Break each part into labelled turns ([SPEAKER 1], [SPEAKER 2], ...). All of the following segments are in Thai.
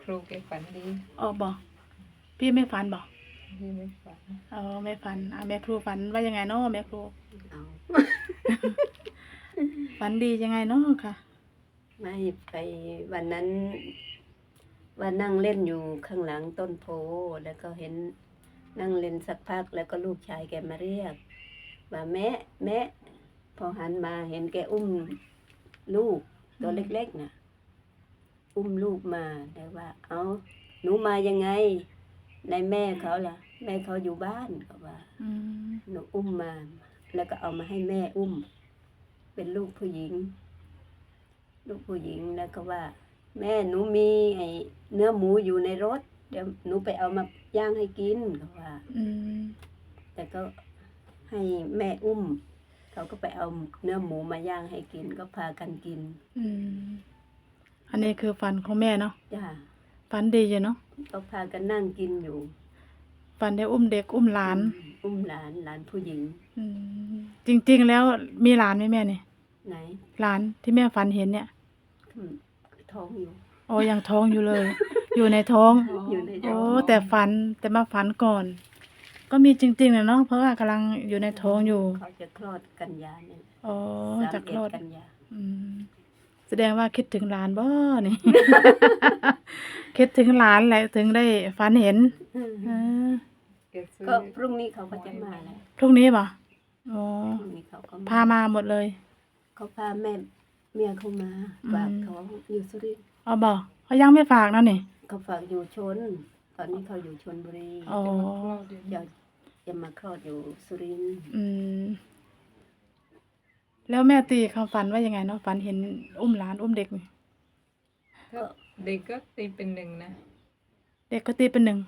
[SPEAKER 1] ครูแกฝันดี
[SPEAKER 2] อ๋อบอกพี่ไม่ฝันบอก
[SPEAKER 1] พี่ไม่ฝัน
[SPEAKER 2] ไม่ฝันแม่ครูฝันว่ายังไงเนาะแม่ครู
[SPEAKER 3] เอา
[SPEAKER 2] ฝันดียังไงเนาะค่ะ
[SPEAKER 3] ไม่ไปวันนั้นว่านั่งเล่นอยู่ข้างหลังต้นโพแล้วก็เห็นนั่งเล่นสักพักแล้วก็ลูกชายแกมาเรียกว่าแม่แม่พอหันมาเห็นแกอุ้มลูกตัวเล็กๆน่ะอุ้มลูกมาแต่ว่าเอาหนูมายังไงในแม่เขาล่ะแม่เขาอยู่บ้านเขาว่าหนูอุ้มมาแล้วก็เอามาให้แม่อุ้มเป็นลูกผู้หญิงแล้วก็ว่าแม่หนูมีไอ้เนื้อหมูอยู่ในรถเดี๋ยวหนูไปเอามาย่างให้กินเขาว่าแต่ก็ให้แม่อุ้มเขาก็ไปเอาเนื้อหมูมาย่างให้กินก็พากันกิน
[SPEAKER 2] อันนี้คือฝันของแม่เนาะ
[SPEAKER 3] จ้า
[SPEAKER 2] ฝันดีอยู่เนาะ
[SPEAKER 3] ก็พากันนั่งกินอยู่
[SPEAKER 2] ฝันได้อุ้มเด็กอุ้มหลาน
[SPEAKER 3] หลานผู้หญิง
[SPEAKER 2] จริงๆแล้วมีหลานไหมแม่เนี่ย
[SPEAKER 3] ไหน
[SPEAKER 2] หลานที่แม่ฝันเห็นเนี่ย
[SPEAKER 3] ท้องอยู่
[SPEAKER 2] อ๋อยังท้องอยู่เลย อยู่ในท้องโอ้แต่มาฝันก่อน ก็มีจริงๆนะเนาะเพราะว่ากำลังอยู่ในท้องอยู่
[SPEAKER 3] เขาจะคลอดกันยาเนี่ย
[SPEAKER 2] อ๋อจะคลอด
[SPEAKER 3] กันยา
[SPEAKER 2] แสดงว่าคิดถึงหลานบ่นี่ คิดถึงหลานแหละถึงได้ฝันเห็น
[SPEAKER 3] ก็พรุ่งนี้เขาก็จะมาแล้ว
[SPEAKER 2] พรุ่งนี้ป่ะอ๋อพามาหมดเลย
[SPEAKER 3] เขาพาเมียเขามาฝากเขาอยู่สุรินทร์
[SPEAKER 2] อ๋อบอกเขายังไม่ฝากนะนี่
[SPEAKER 3] เขาฝากอยู่ชนตอนนี้เขาอยู่ชลบุรีจะมาคลอดอยู่สุรินทร์
[SPEAKER 2] แล้วแม่ตีเขาฝันว่ายังไงเนาะฝันเห็นอุ้มหลานอุ้มเด็กไหม
[SPEAKER 1] ก็เด็กก็ตีเป็นหนึ่งนะ
[SPEAKER 2] เด็กก็ตีเป็นหนึ่ง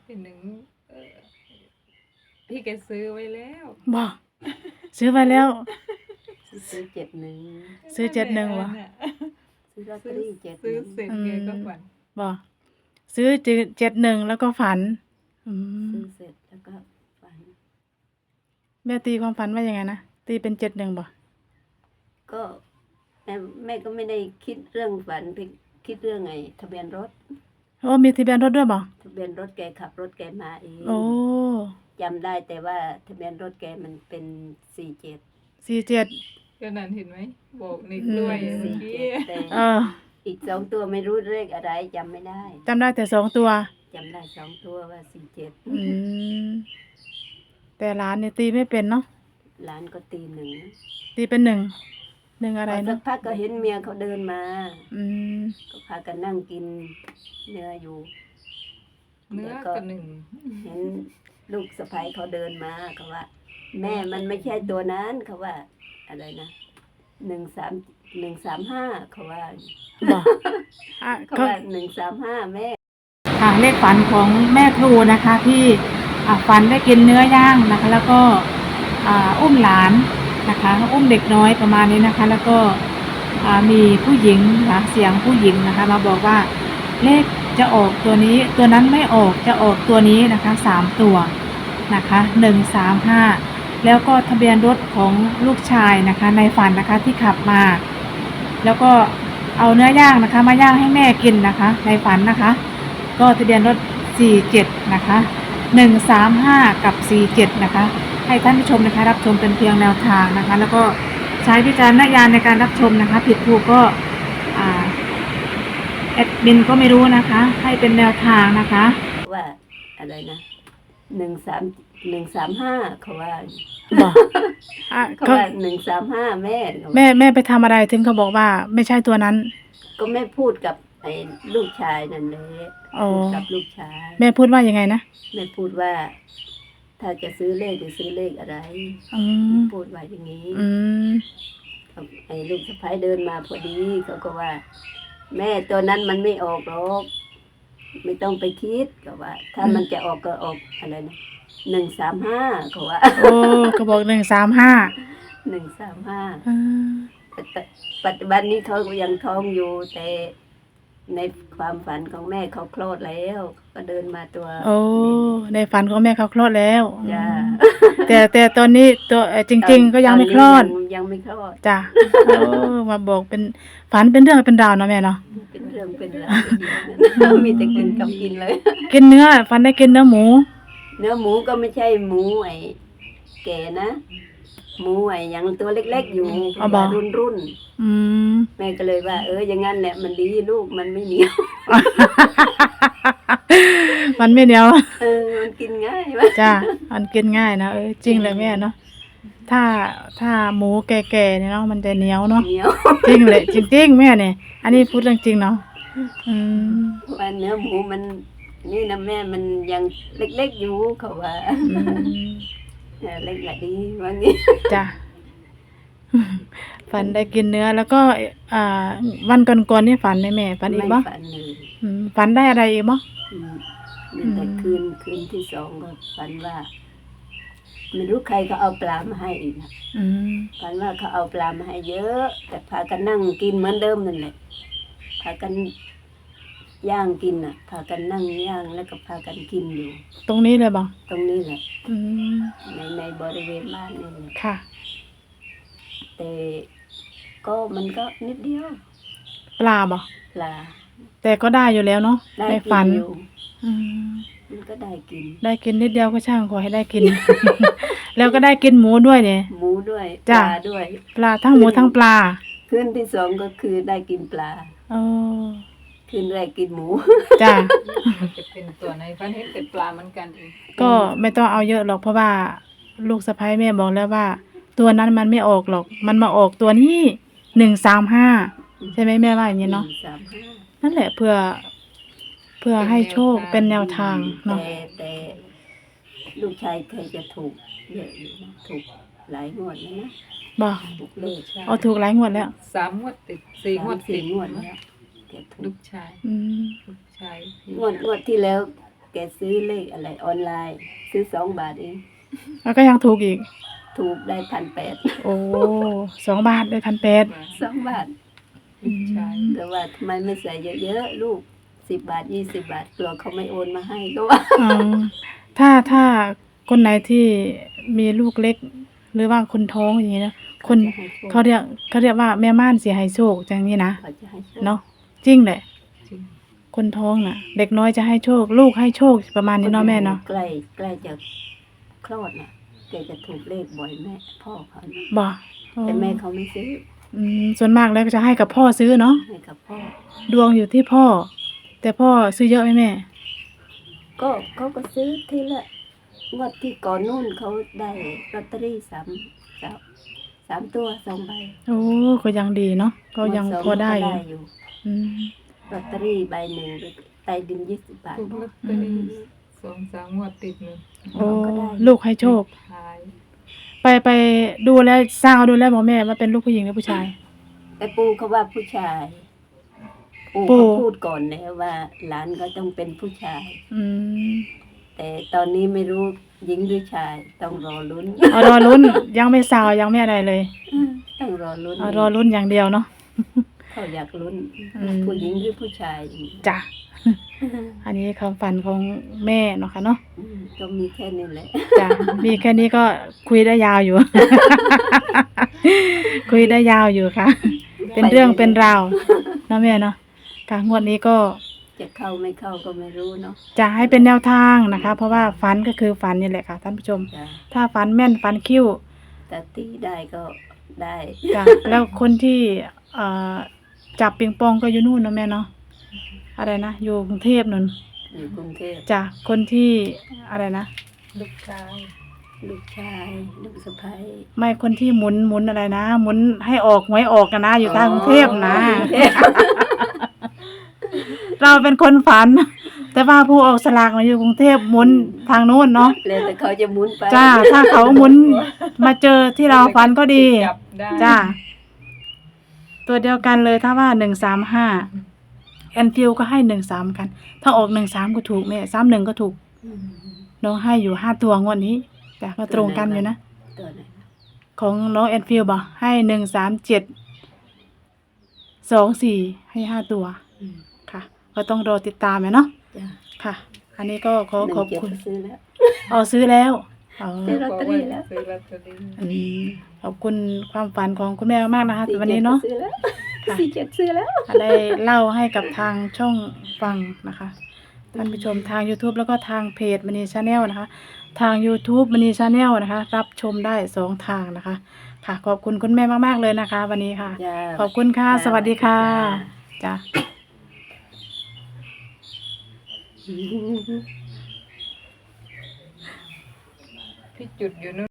[SPEAKER 1] พี่แกซื้อไว้แล้ว
[SPEAKER 2] บอกซื้อไว้แล้ว
[SPEAKER 3] ซื้อ71
[SPEAKER 2] ซื้อ71วะ
[SPEAKER 3] ซื้อลอตเตอรี่71
[SPEAKER 1] ซื้อเสร็จแกก็ฝัน
[SPEAKER 2] บอกซื้อ71แล้วก็ฝัน
[SPEAKER 3] ซื้อเสร็จแล้วก็ฝัน
[SPEAKER 2] แม่ตีความฝันว่ายังไงนะตีเป็น71บ่
[SPEAKER 3] ก็แม่ก็ไม่ได้คิดเรื่องฝันไปคิดเรื่องไงทะเบียนรถ
[SPEAKER 2] มีทะเบียนรถด้วยบ่
[SPEAKER 3] ทะเบียนรถแกขับรถแกมาเอง
[SPEAKER 2] โอ้
[SPEAKER 3] จำได้แต่ว่าทะเบียนรถแกมันเป็น
[SPEAKER 2] 47
[SPEAKER 1] ก็นั่นเห็นไหมบอกนิดด้วยเมื่อกี้
[SPEAKER 3] อีก2ตัวไม่รู้เลขอะไรจำไม่ได้
[SPEAKER 2] จำได้แต่2ตัว
[SPEAKER 3] จำได้2ตัวว่า47
[SPEAKER 2] แต่หลานเนี่ยตีไม่เป็นเนาะ
[SPEAKER 3] หลานก็ตี1
[SPEAKER 2] ตีเป็น1อะไรเนาะ
[SPEAKER 3] สักพักก็เห็นเมียเขาเดินมาก็พากันนั่งกินเนื้ออยู่
[SPEAKER 1] เนื้อก็1
[SPEAKER 3] เห็นลูกสะใภ้เขาเดินมาเขาว่าแม่มันไม่ใช่ตัวนั้นเขาว่าอะไรนะ135เขาว่าเขาว่า135แม่
[SPEAKER 2] ค่ะเลขฝันของแม่ครูนะคะที่ฝันได้กินเนื้อย่างนะคะแล้วก็อุ้มหลานนะคะอุ้มเด็กน้อยประมาณนี้นะคะแล้วก็มีผู้หญิงนะคะเสียงผู้หญิงนะคะมาบอกว่าเลขจะออกตัวนี้ตัวนั้นไม่ออกจะออกตัวนี้นะคะ3ตัวนะคะ135แล้วก็ทะเบียนรถของลูกชายนะคะในฝันนะคะที่ขับมาแล้วก็เอาเนื้อย่างนะคะมาย่างให้แม่กินนะคะในฝันนะคะก็ทะเบียนรถ47นะคะ135กับ47นะคะให้ท่านผู้ชมนะคะรับชมเป็นเพียงแนวทางนะคะแล้วก็ใช้วิจารณญาณในการรับชมนะคะผิดถูกก็แอดมินก็ไม่รู้นะคะให้เป็นแนวทางนะคะ
[SPEAKER 3] ว่าอะไรนะ135เขาว่าเขาว่า135แ
[SPEAKER 2] ม่ไปทำอะไรถึงเขาบอกว่าไม่ใช่ตัวนั้น
[SPEAKER 3] ก็แม่พูดกับไอ้ลูกชายนั่นเลยกับลูกชาย
[SPEAKER 2] แม่พูดว่ายังไงนะ
[SPEAKER 3] แม่พูดว่าถ้าจะซื้อเลขจะซื้อเลขอะไรพูดว่าอย่างนี้ไอ้ลูกสะใภ้เดินมาพอดีเขาก็ว่าแม่ตัวนั้นมันไม่ออกหรอกไม่ต้องไปคิดก็ว่าถ้ามันจะออกก็ออกอะไรนะ135เขาว่า
[SPEAKER 2] เขาบอก135
[SPEAKER 3] ปัจจุบันนี้เขายังท้องอยู่แต่ในความฝันของแม่เขาคลอดแล้วก็เดินมาตัว
[SPEAKER 2] โอ้ในฝันของแม่เขาคลอดแล้ว
[SPEAKER 3] จ้า
[SPEAKER 2] แต่ตอนนี้ตัวจริง ๆ ก็ยังไม่คลอด
[SPEAKER 3] ตนนี้ยังไม่คลอด
[SPEAKER 2] จ้ะโอ้มาบอกเป็นฝันเป็นเรื่องเป็นราวเนาะแม่เนาะ
[SPEAKER 3] เป็นเรื่องเป็นราวมีแต่กินกับกินเลย
[SPEAKER 2] กินเนื้อฝันได้กินเนื้อหมู
[SPEAKER 3] เนื้อหมูก็ไม่ใช่หมูไอ้แก่นะ หมูไอ้ยังตัวเล็กๆอยู่
[SPEAKER 2] เอาบ่
[SPEAKER 3] รุ่น
[SPEAKER 2] อืม
[SPEAKER 3] แม่ก็เลยว่าอย่างงั้นแหละมันดีลูกมันไม่เหนียว
[SPEAKER 2] มันไม่เหนียว
[SPEAKER 3] มันกินง่าย
[SPEAKER 2] จ้ะมันกินง่ายนะจริงเลยแม่เนาะถ้าหมูแก่ๆเนี่ยเนาะมันจะเหนียวเนาะ
[SPEAKER 3] เหนียว
[SPEAKER 2] จริงเลยจริงๆแม่เนี่ยอันนี้พูดเรื่องจริงเนาะอืม
[SPEAKER 3] ว่าเนื้อหมูมันนี่นะแม่มันยังเล็กๆอยู่เขาว่า
[SPEAKER 2] อืม
[SPEAKER 3] เล็กละดีว่างี้
[SPEAKER 2] จ้ะฝันได้กินเนื้อแล้วก็วันก่อนๆนี่ฝันไหมแม่ฝันอีกบ่
[SPEAKER 3] ไม่ฝันเลย
[SPEAKER 2] ฝันได้อะไรอีกบ่
[SPEAKER 3] อืมมีแต่คืนที่สองก็ฝันว่าไม่รู้ใครก็เอาปลามาให้อีกนะ
[SPEAKER 2] อืม
[SPEAKER 3] ฝันว่าเขาเอาปลามาให้เยอะ แต่พากันนั่งกินเหมือนเดิมนั่นแหละพากันย่างกินอ่ะ พากันนั่งย่างแล้วก็พากันกินอยู่
[SPEAKER 2] ตรงนี้เลยบ่
[SPEAKER 3] ตรงนี้แหละ
[SPEAKER 2] อืม
[SPEAKER 3] ในบริเวณบ้านนี่แหละ
[SPEAKER 2] ค่ะ
[SPEAKER 3] แต่ก็มันก็นิดเดียว
[SPEAKER 2] ปลาบ่
[SPEAKER 3] ปลา
[SPEAKER 2] แต่ก็ได้อยู่แล้วเนาะ
[SPEAKER 3] ได้
[SPEAKER 2] ใน
[SPEAKER 3] กิ
[SPEAKER 2] ฝัน
[SPEAKER 3] อยู่
[SPEAKER 2] อืม
[SPEAKER 3] มันก็ได้กิน
[SPEAKER 2] ได้กินนิดเดียวก็ช่างขอให้ได้กิน แล้วก็ได้กินหมูด้วยเนี่ย
[SPEAKER 3] หมูด้วยป
[SPEAKER 2] จ้ะ
[SPEAKER 3] ลาด้วย
[SPEAKER 2] ปลาทั้งหมูทั้งปลา
[SPEAKER 3] คืนที่สองก็คือได้กินปลา
[SPEAKER 2] เออ
[SPEAKER 3] คืนแรกกินหมู
[SPEAKER 2] จ้ะ
[SPEAKER 1] มันจะเป็นตัวไหนฝันเห็นแต่ปลาเหมือนกันเอง
[SPEAKER 2] ก็ไม่ต้องเอาเยอะหรอกเพราะว่าลูกสะใภ้แม่บอกแล้วว่า ตัวนั้นมันไม่ออกหรอก มันมาออกตัวนี้135ใช่ไหมแม่ว่าอย่างนี้เนาะ
[SPEAKER 3] 135
[SPEAKER 2] นั่นแหละเพื่อให้โชคเป็นแนวทางเนาะ
[SPEAKER 3] แต่ลูกชายเคยจะถูกเยอะอยู่นะถูกหลายงวดแล้วนะ
[SPEAKER 2] บอก
[SPEAKER 3] ถูกเลข
[SPEAKER 2] เอาถูกหลายงวดแล้ว
[SPEAKER 1] 3 งวดติด 4 งวดติ
[SPEAKER 3] สี่
[SPEAKER 1] ด
[SPEAKER 3] งวดแล้วแกถู
[SPEAKER 1] ลู
[SPEAKER 3] ก
[SPEAKER 1] กชาย
[SPEAKER 2] อืม
[SPEAKER 1] ลูกชาย
[SPEAKER 3] งวดที่แล้ว แกซื้อเลขอะไรออนไลน์ ซื้อ2 บาทเอง
[SPEAKER 2] แล้วก็ยังถูกอีก
[SPEAKER 3] ถูกได้1,800
[SPEAKER 2] โอ้2 บาทได้1,800
[SPEAKER 3] 2 บาท
[SPEAKER 1] ลูกชาย
[SPEAKER 3] แต่ว่าทำไมไม่ใส่เยอะๆลูก10 บาท20 บาทกลัวเขาไม่โอนมาให้ก็ว่า
[SPEAKER 2] อ๋อถ้าคนไหนที่มีลูกเล็ก หรือว่าคนท้องอย่างนี้นะคน
[SPEAKER 3] จะให้โชค
[SPEAKER 2] เขาเรียกว่าแม่ม่านเสียหายโชคจังนี้นะ
[SPEAKER 3] เขาจะให้โชค
[SPEAKER 2] เนาะจริงแหละ
[SPEAKER 1] จริง
[SPEAKER 2] คนท้องน่ะ เด็กน้อยจะให้โชค ลูกให้โชคประมาณนี้เนาะแม่เนาะ
[SPEAKER 3] ใกล้จะคลอดน่ะแกจะถูกเลขบ่อยแม่พ่อเขาน่ะ
[SPEAKER 2] บอก
[SPEAKER 3] แต่แม่เขาไม่ซื้อ
[SPEAKER 2] ส่วนมากแล้วก็จะให้กับพ่อซื้อเนาะ
[SPEAKER 3] ให้กับพ่อ
[SPEAKER 2] ดวงอยู่ที่พ่อ แต่พ่อซื้อเยอะไหมแม่
[SPEAKER 3] ก็เขาก็ซื้อทีละงวดที่ก่อนนู่นเขาได้ลอตเตอรี่3 ตัว 2 ใบ
[SPEAKER 2] โอ้ก็ยังดีเนาะก็ยัง
[SPEAKER 3] งว
[SPEAKER 2] พอได้
[SPEAKER 3] ก็
[SPEAKER 2] อยู่
[SPEAKER 3] อยู่
[SPEAKER 2] อืม
[SPEAKER 3] ลอตเตอรี่ใบหนึ่งใต้ดิน20 บาท
[SPEAKER 1] ถูกลอตเตอรี่2-3 งวดติดเลย
[SPEAKER 2] โอ้
[SPEAKER 3] ก็ได้
[SPEAKER 2] ลูกให้โชค
[SPEAKER 1] ชาย
[SPEAKER 2] ไปดูแล้วสร้างเอาดูแล้วบอกแม่ว่าเป็นลูกผู้หญิงหรือผู้ชาย
[SPEAKER 3] แต่ปู่เขาว่าผู้ชาย ปู่
[SPEAKER 2] ปู่
[SPEAKER 3] เขาพูดก่อนแล้วว่าหลานก็ต้องเป็นผู้ชาย
[SPEAKER 2] อืม
[SPEAKER 3] แต่ตอนนี้ไม่รู้หญิงหรือชาย ต้องรอลุ้น
[SPEAKER 2] เอารอลุ้นยังไม่สาวยังไม่อะไรเลย
[SPEAKER 3] ต้องรอลุ้น
[SPEAKER 2] เอารอลุ้นอย่างเดียวเนาะ
[SPEAKER 3] เขาอยากลุ้น
[SPEAKER 2] อืม
[SPEAKER 3] ผู้หญิงหรือผู้ชายอย่างนี้
[SPEAKER 2] จ้ะ อันนี้ความฝันของแม่เนาะค่ะเนาะ
[SPEAKER 3] ก็มีแค่นี้แหละ
[SPEAKER 2] จ้ะ มีแค่นี้ก็คุยได้ยาวอยู่ คุยได้ยาวอยู่ค่ะ เป็นเรื่องเป็นราวเนาะแม่เนาะค่ะงวดนี้ก็
[SPEAKER 3] จะเข้าไม่เข้าก็ไม่รู้เนาะ
[SPEAKER 2] จะให้เป็นแนวทางนะคะ เพราะว่าฝันก็คือฝันนี่แหละค่ะท่านผู้ชม
[SPEAKER 3] จ้ะ
[SPEAKER 2] ถ้าฝันแม่นฝันคิ้ว
[SPEAKER 3] แต่ตีได้ก็ได้
[SPEAKER 2] จ้ะ แล้วคนที่เอ่อจับปิงปองก็อยู่นู่นเนาะแม่เนาะอะไรนะอยู่กรุงเทพนู่น
[SPEAKER 3] อยู่กรุงเทพ
[SPEAKER 2] จ้ะคนที่อะไรนะ
[SPEAKER 1] ลูกชาย
[SPEAKER 3] ลูกชายลูกสะใภ้
[SPEAKER 2] ไม่คนที่หมุนอะไรนะหมุนให้ออกหวยออกกันนะอยู่ทางกรุงเทพนะ เราเป็นคนฝัน แต่ว่าผู้ออกสลากมาอยู่กรุงเทพหมุนทางโน้นเนาะ
[SPEAKER 3] แล้วแต่เขาจะหมุนไป
[SPEAKER 2] จ้าถ้าเขาหมุนมาเจอที่เราฝันก็ดี
[SPEAKER 1] จับได้
[SPEAKER 2] จ้าตัวเดียวกันเลยถ้าว่า135แอนฟิลก็ให้13กัน ถ้าออก13ก็ถูกแม่31ก็ถูก
[SPEAKER 3] อืม
[SPEAKER 2] น้องให้อยู่5ตัวงวดนี้แต่ก็ตรงกันอยู่นะ
[SPEAKER 3] ตัวไหนนะ
[SPEAKER 2] ของน้องแอนฟิลบ่ให้137 24ให้5ตัว
[SPEAKER 3] อืม
[SPEAKER 2] ค่ะ ก็ต้องรอติดตามเนาะ
[SPEAKER 3] จ้ะ
[SPEAKER 2] ค่ะ อันนี้ก็ขอขอบคุณ
[SPEAKER 3] 17ซื้อแล้ว
[SPEAKER 2] อ๋อซื้อแล้วอ๋อ
[SPEAKER 3] ซื้อลอตเตอรี่แล้ว
[SPEAKER 1] ซื้อลอตเตอรี่
[SPEAKER 2] อืมขอบคุณความฝันของคุณแม่มากๆนะคะวันนี้เนาะ
[SPEAKER 3] ซื้อแล้ว
[SPEAKER 2] ค่ะ
[SPEAKER 3] 47ซื้อแล้ว
[SPEAKER 2] ได้เล่าให้กับทางช่องฟังนะคะท่านผู้ชมทาง YouTube แล้วก็ทางเพจมณีชาแนลนะคะ ทาง YouTube มณีชาแนลนะคะ รับชมได้2 ทางนะคะ ค่ะ ขอบคุณคุณแม่มากๆเลยนะคะ วันนี้ค่ะ
[SPEAKER 3] จ้า
[SPEAKER 2] ขอบคุณค่ะ
[SPEAKER 3] จ้า
[SPEAKER 2] สวัสดีค่ะ
[SPEAKER 3] จ้า
[SPEAKER 2] จ้า
[SPEAKER 1] พี่จุดอยู่นู่น